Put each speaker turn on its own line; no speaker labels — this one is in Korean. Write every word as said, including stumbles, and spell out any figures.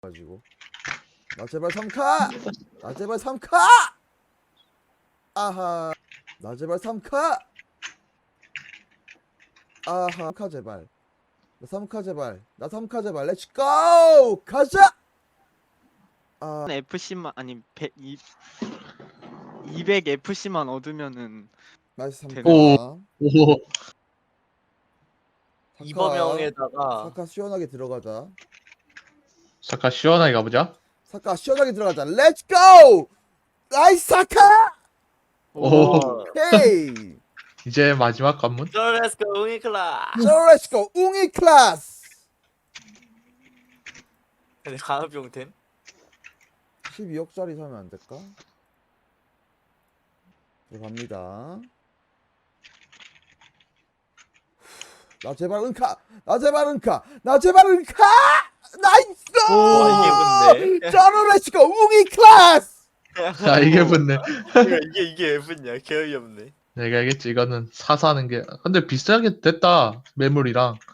가지고 나 제발 삼 카! 나 제발 삼 카! 아하 나 제발 삼 카! 아하 삼 카 제발 나 삼 카 제발 나 삼 카 제발 렛츠고! 가자! 아
에프씨만 아니 백, 이, 이백 에프씨만 얻으면은
나이스 삼 카
되네.
오.
이범영에다가
사카 시원하게 들어가자.
잠깐 시원하게 가보자.
사카 시원하게 들어가자. 렛츠고! 나이스 사카!
오.
헤이!
이제 마지막 관문.
쫄레스코 웅이클라.
자 렛츠고! 웅이 클래스!
근데 강압용템?
십이억짜리 사면 안 될까? 들어갑니다. 나 제발 은카! 나 제발 은카! 나 제발 은카! 나이스!
와, 이게 붙네.
자 렛츠고! 웅이 클래스!
자 이게 붙네.
이게 이게 왜 붙냐? 개어이 없네.
내가 알겠지. 이거는 사서 하는 게. 근데 비싸게 됐다. 매물이랑.